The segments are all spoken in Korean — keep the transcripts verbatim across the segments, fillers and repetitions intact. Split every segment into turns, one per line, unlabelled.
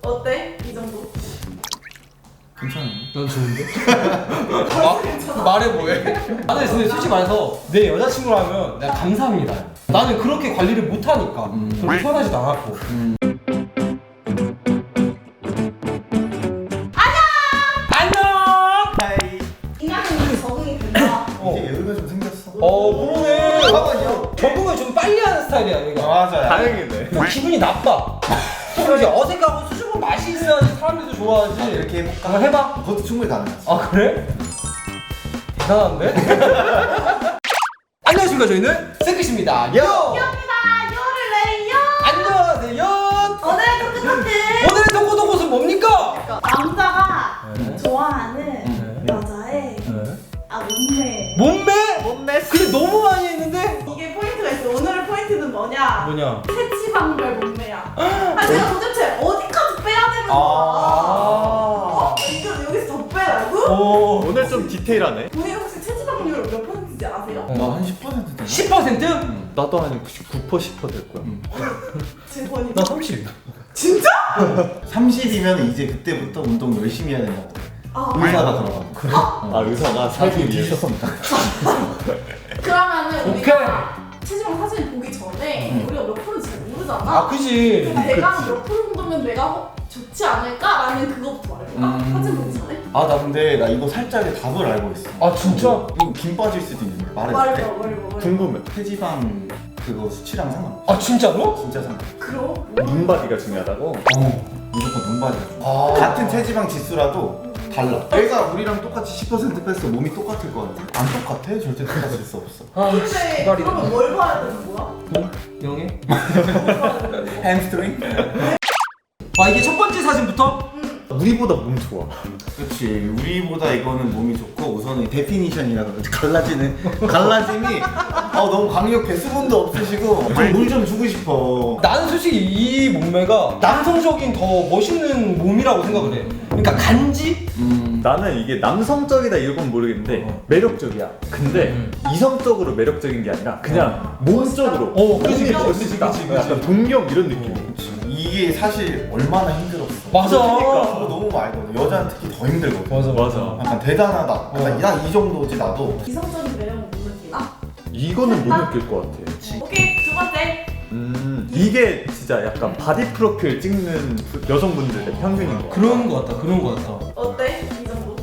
어때? 이 정도?
괜찮은데?
난 좋은데? 마, 말해 뭐해? 나는 근데 솔직히 말해서 내 여자친구라면 내가 감사합니다. 나는 그렇게 관리를 못하니까
음.
그렇게 편하지도 않았고.
음. 하이.
인간관계에 적응이 된다.
어.
이제 여유가 좀 생겼어.
어 그러네.
잠깐만요.
적응을 좀 빨리 하는 스타일이야 얘가.
맞아요.
다행이네.
뭐 기분이 나빠. 좀 이제 어색하고 수줍은 맛이 있어야지 사람들도 좋아하지.
아, 이렇게 해볼까?
한번 해봐.
그것도 충분히 가능하지.
아 그래? 대단한데? 안녕하십니까, 저희는 세크십니다. 요!
귀엽니다. 요를 내요.
안녕하세요.
오늘의 토크토크.
오늘의 동고동 곳은 뭡니까?
남자가
네.
좋아하는
네.
여자의 아 몸매.
몸매?
몸매.
근데 너무 많이 했는데?
이게 포인트가 있어. 오늘의 포인트는 뭐냐?
뭐냐?
체지방별 몸매야. 아 제가 도대체 어디까지 빼야 되는 거야?
아.
어? 이거 여기서 더 빼라고?
오.
오늘 좀 디테일하네.
본인 혹시 체지방률 몇 퍼센트인지 아세요?
나 한 십 퍼센트 되나?
십 퍼센트?
나도 한 구십구 퍼센트 십 퍼센트 될 거야.
제 번이
나 삼십.
진짜?
삼십이면 이제 그때부터 운동 열심히 해야 된다고.
아
의사가 들어가고. 그래?
아 의사가 살기 위해서.
그러면은
오케이.
우리가 체지방 사진 보기 전에
음.
우리가 몇 프로인지 잘 모르잖아.
아, 그지.
그럼 내가 몇 프로 정도면 내가 어, 좋지 않을까라는 그것부터 말해볼까?
음.
사진 보기 전에?
아, 나 근데 나 이거 살짝의 답을 알고 있어.
아, 진짜?
이거 김 빠질 수도 있는데 말해도
말해봐,
돼?
말해봐, 말해봐.
궁금해.
체지방 그거 수치랑 상관없어.
아, 진짜로?
진짜 상관.
그럼?
눈바디가 중요하다고.
어. 무조건 눈바디가 좋아.
아.
같은 체지방 지수라도 달라. 얘가 우리랑 똑같이 십 퍼센트 뺐어. 몸이 똑같을 것 같아? 안 똑같아? 절대 똑같을 수 없어.
아,
근데
씨발이다.
그러면 뭘 봐야 되는 거야?
뭐? 영해?
뭘 봐야 되는 거야?
햄스트링?
아, 이게 첫 번째 사진부터?
음.
우리보다 몸 좋아.
그렇지. 우리보다 이거는 몸이 좋고 우선은 데피니션이라고 그러지. 갈라지는 갈라짐이 어, 너무 강력해. 수분도 없으시고 물 좀 주고 싶어.
나는 솔직히 이 몸매가 남성적인 더 멋있는 몸이라고 생각을 해. 그러니까 간지?
음.
나는 이게 남성적이다 이건 모르겠는데
어.
매력적이야. 근데
음.
이성적으로 매력적인 게 아니라 그냥 몸적으로.
어, 그치,
몸이
그치,
멋있다.
그치, 그치.
약간 동경 이런 느낌.
그치. 이게 사실 얼마나 힘들었어.
맞아.
그거 너무 말거든. 여자는 특히 더 힘들거든.
맞아,
맞아.
약간 대단하다. 약간
어.
난 이 정도지 나도.
이성적인 매력은 못 느끼나?
이거는 못 느낄 것 같아.
오케이, 두 번째.
음 이게 진짜 약간 바디 프로필 찍는 여성분들의 평균인 거.
그런 거 같다, 그런 거 같다.
어때? 이 정도?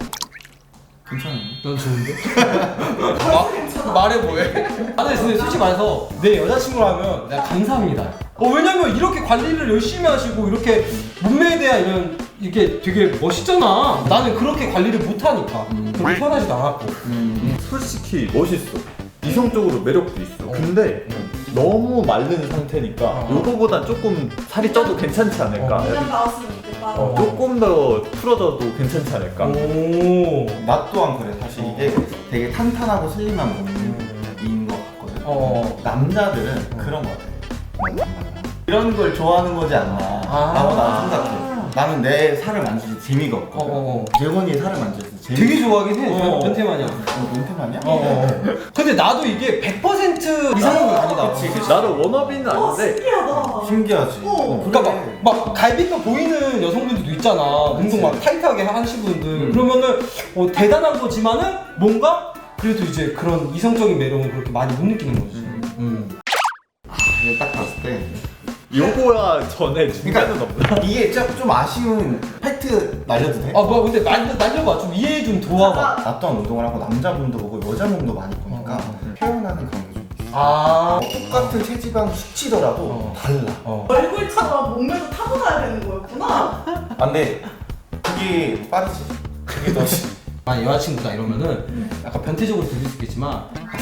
괜찮은데?
난 좋은데?
벌써 괜찮아?
말해 뭐해? 나는 근데 솔직히 말해서 내 여자친구라면 내가 감사합니다. 어, 왜냐면 이렇게 관리를 열심히 하시고 이렇게 몸매에 대한 이런 이게 되게 멋있잖아. 나는 그렇게 관리를 못하니까
음.
그렇게 편하지도 않았고.
음.
솔직히 멋있어. 이성적으로 매력도 있어. 근데 너무 마른 상태니까
어.
요거보단 조금 살이 쪄도 괜찮지 않을까?
어.
그냥 나왔으면 좋겠다.
어, 조금 더 풀어져도 괜찮지 않을까?
오.
나 또한 그래. 사실 이게 되게 탄탄하고 슬림한 몸인 것 같거든.
어.
남자들은 그런 것 같아. 이런 걸 좋아하는 거지 않나
아.
라고 나는 생각해. 나는 내 살을 만질 때 재미가 없거든.
어, 어, 어.
재건이의 살을 만질 때 재미.
되게 좋아하긴 해.
어.
변태 마냥.
어, 멘트만이야?
어, 어. 근데 나도 이게 백 퍼센트 이상은 아니다.
그치, 그치.
나도 워너비는
어,
아닌데
신기하다.
신기하지.
어.
그러니까 막, 막 갈비뼈 보이는 여성분들도 있잖아. 운동 막 타이트하게 하시는 분들.
음.
그러면은 어, 대단한 거지만은 뭔가 그래도 이제 그런 이성적인 매력은 그렇게 많이 못 느끼는 거지. 음.
이거 딱 봤을 때
요거야 전에 중간은 없나?
이게 좀, 좀 아쉬운 팩트 날려도 돼?
아 뭐야 근데 날려 날려봐 좀 이해 좀 도와봐.
나 또한 운동을 하고 남자분도 보고 여자 몸도 많이 보니까
어, 어.
표현하는 그런 게 좀 있어.
아.
똑같은 체지방 수치더라도
어.
달라.
어.
얼굴처럼 몸매도 타고나야 되는 거였구나.
아, 근데 그게 빠르지. 그게 더
만약 여자친구다 이러면은 약간 변태적으로 들릴 수 있겠지만 약간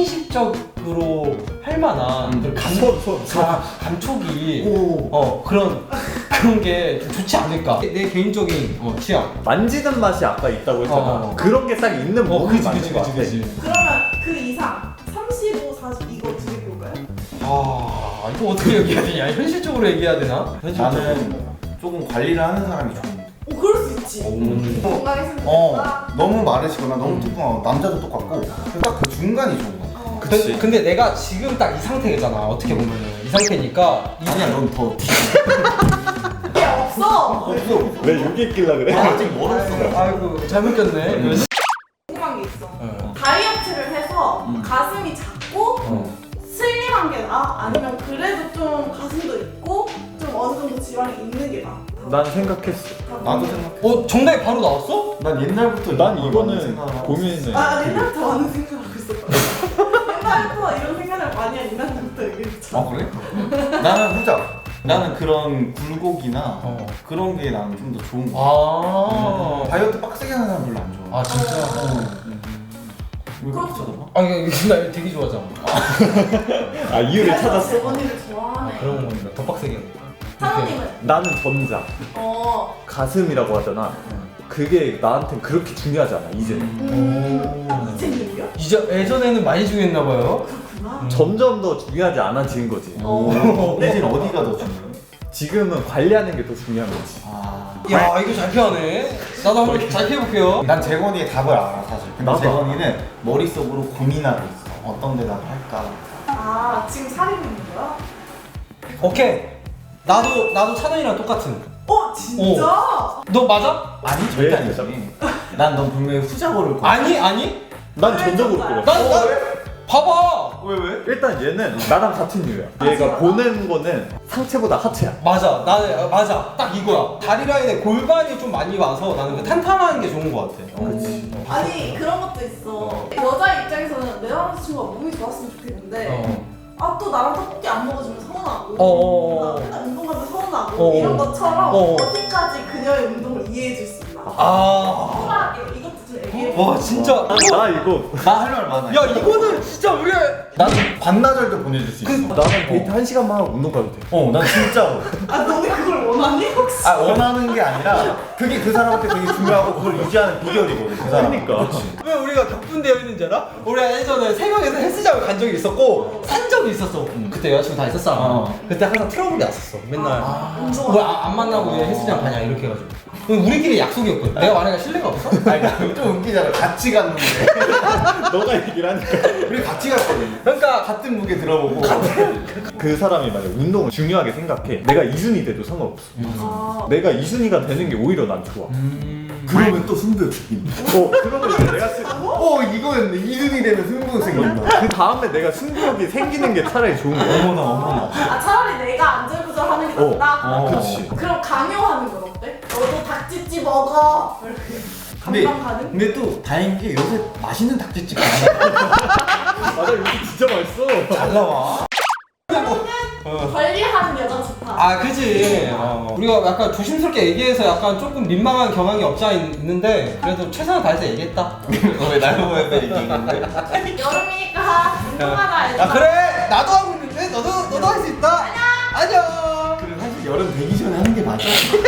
스킨십적으로 할 만한
음.
그런 감,
손, 손, 손.
가- 감촉이
오.
어 그런 그런 게 좀 좋지 않을까 내 개인적인 어, 취향.
만지는 맛이 아까 있다고 했잖아.
어.
그런 게 딱 있는
어
몸이
그지
맞는
그지
것
그지
같아.
그지.
그러면 그 이상 삼십오, 사십 이거 두 개 볼까요?
아 이거 어떻게 얘기해야 되냐? 현실적으로 얘기해야 되나?
나는 조금 관리를 하는 사람이 좋은데.
오 그럴 수 있지.
음.
건강했으면
어,
좋겠다.
너무 마르시거나 너무 뚱뚱하고 남자도 똑같고 딱 그 중간이 좋은 거야.
어.
그치.
근데 내가 지금 딱 이 상태잖아. 어떻게 보면은 이 상태니까 이
아니야, 넌 더.
그게 없어.
없어.
왜 여기 있길라 그래?
아직 멀었어.
아이고, 아이고 잘못 꼈네.
궁금한 게 있어.
어.
다이어트를 해서
음.
가슴이 작고
어.
슬림한 게 나아? 아니면 그래도 좀 가슴도 있고 좀 어느 정도 지방이 있는 게 나아?
난 생각했어.
나도 생각.
어 정답이 바로 나왔어?
난 옛날부터
난
이걸 많이
이거는
생각을 하고
고민했네.
아 옛날부터 많은 생각하고 있었거든. 옛날부터 이런 생각을 많이 한 이날부터 얘기했죠.
아 그래? 나는 후자. 나는 그런 굴곡이나
어.
그런 게 나는 좀 더 좋은 거.
아.
다이어트 빡세게 하는 사람 별로 안 좋아.
아 진짜?
왜 그렇게 쳐다봐?
아 이거 이거 나 되게 좋아하잖아.
아 이유를 찾았어?
언니를 좋아하네.
그런 겁니다. 더 빡세게.
사장님은?
나는 전자.
어.
가슴이라고 하잖아. 그게 나한텐 그렇게 중요하지 않아 이제.
음. 이제는요?
이제 예전에는 많이 중요했나 봐요.
그렇구나.
점점 더 중요하지 않아지는 거지.
어.
이제는 어디가 더 중요해?
지금은 관리하는 게 더 중요한 거지.
아.
야 이거 잘 피하네. 나도 한번 잘 피해볼게요.
난 재건이의 답을 알아 사실. 근데
나도
재건이는 머릿속으로 고민하고 있어. 어떤 데다가 할까?
아 지금 사리고 있는 거야?
오케이. 나도 나도 찬원이랑 똑같은.
어 진짜?
너 맞아?
아니
왜
절대 아니지. 난 넌 분명히 후자 고를 거야.
아니 아니.
난 전적으로 그래.
난 난. 봐봐.
왜 왜?
일단 얘는 나랑 같은 이유야. 얘가 보는 거는 상체보다 하체야.
맞아. 나는 어, 맞아. 딱 이거야. 다리 라인에 골반이 좀 많이 와서 나는 그 탄탄한 게 좋은 것 같아.
그렇지.
아니 그런 것도 있어. 여자 입장에서는 내 남자친구가 몸이 좋았으면 좋겠는데
어.
아 또 나랑 떡볶이 안 먹어주면 서운하고
어어어.
나 맨날 운동 가면 서운하고
어어.
이런 것처럼
어어.
어디까지 그녀의 운동을 이해해줄 수 있나?
아.
소라하게 이것도 좀 얘기해.
와 진짜.
나, 나 이거
나 할 말 많아.
야 이거는 진짜 우리가.
나는 반나절도 보내줄 수 있어.
나는 데이트 한 시간만 하고 운동 가도 돼.
어, 난 진짜로.
아 너네 그걸 원하니 혹시?
아 원하는 게 아니라 그게 그 사람한테 되게 중요하고 그걸 유지하는 비결이거든. 그 사람.
그러니까.
왜 우리가 격분되어 있는지 알아? 우리가 예전에 세 명에서 헬스장을 간 적이 있었고 산 적이 있었어. 그때 여자친구 다 있었잖아.
어.
그때 항상 트러블이 왔었어. 맨날
운동.
왜안 만나고 왜 헬스장 가냐 이렇게 해가지고. 그럼 우리끼리 약속이었거든. 내가 만약에 신뢰가 없어?
아니 나좀 웃기잖아. 같이 갔는데
너가 얘기를 하니까.
우리 같이 갔거든.
그러니까
같은 무게 들어보고.
그 사람이 만약 운동을 중요하게 생각해. 내가 이순위 돼도 상관없어.
아,
내가 이순위가 되는 게 오히려 난 좋아.
그러면 또 승부욕 생긴다.
어, 그러면 이제 내가 쓰...
어 이거였네. 이등이 되면 승부욕 생긴다.
그 다음에 내가 승부욕이 생기는 게 차라리 좋은 거야.
어머나 어머나.
아 차라리 내가 안절부절하는 게
어,
낫다.
어.
그치.
그럼 강요하는 건 어때? 너도 닭찌찌 먹어. 이렇게.
근데
감당 가능?
근데 또 다행인 게 요새 맛있는 닭집집 많아.
맞아, 여기 진짜 맛있어.
잘 나와.
관리하는 여자 좋다.
아 그지. 어. 우리가 약간 조심스럽게 얘기해서 약간 조금 민망한 경향이 없지 않아 있는데 그래도 최선을 다해서 얘기했다.
왜날 보면서 얘기했는데?
여름이니까 운동하라.
야 그래 나도 하고 있는데 너도 너도 할 수 있다. 안녕. 안녕.
그래 사실 여름 되기 전에 하는 게 맞아.